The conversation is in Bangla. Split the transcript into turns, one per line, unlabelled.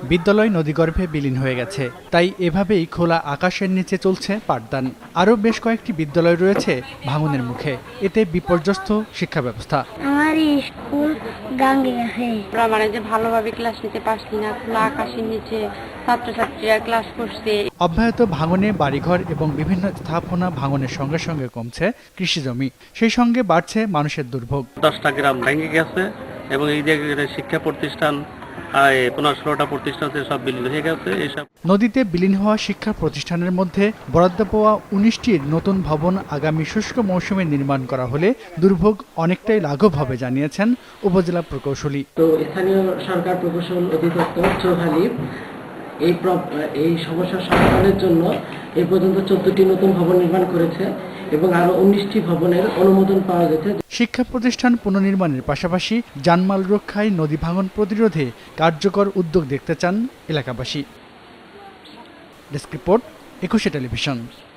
বিদ্যালয় নদীগর্ভে বিলীন হয়ে গেছে, তাই এভাবেই খোলা আকাশের নিচে চলছে পাঠদান। আরও বেশ কয়েকটি বিদ্যালয় রয়েছে ভাঙনের মুখে, এতে বিপর্যস্ত শিক্ষা ব্যবস্থা।
আমার স্কুল গাঙ্গে গেছে,
মানে যে ভালোভাবে ক্লাস নিতে পারছি না, খোলা আকাশের নিচে ছাত্রছাত্রীরা ক্লাস করছে।
অব্যাহত ভাঙনে বাড়িঘর এবং বিভিন্ন স্থাপনা ভাঙনের সঙ্গে সঙ্গে কমছে কৃষিজমি, সেই সঙ্গে বাড়ছে মানুষের দুর্ভোগ।
10টা গ্রাম ভেঙে গেছে এবং এই জায়গায় শিক্ষা প্রতিষ্ঠান 15-16টা প্রতিষ্ঠান সব বিলীন হয়ে গেছে। এইসব
নদীতে বিলীন হওয়া শিক্ষা প্রতিষ্ঠানের মধ্যে বরাদ্দ পাওয়া 19টির নতুন ভবন আগামী শুষ্ক মৌসুমে নির্মাণ করা হলে দুর্ভোগ অনেকটাই লাঘব হবে জানিয়েছেন উপজেলা প্রকৌশলী।
তো স্থানীয় সরকার প্রকৌশল অধিদপ্তর চৌহালি এই সমস্যার সমাধানের জন্য এ পর্যন্ত 14টি নতুন ভবন নির্মাণ করেছে এবং আরো 19টি ভবনের অনুমোদন পাওয়া গেছে।
শিক্ষা প্রতিষ্ঠান পুনর্নির্মাণের পাশাপাশি জানমাল রক্ষায় নদী ভাঙন প্রতিরোধে কার্যকর উদ্যোগ দেখতে চান এলাকাবাসী। Desk report, 21 television.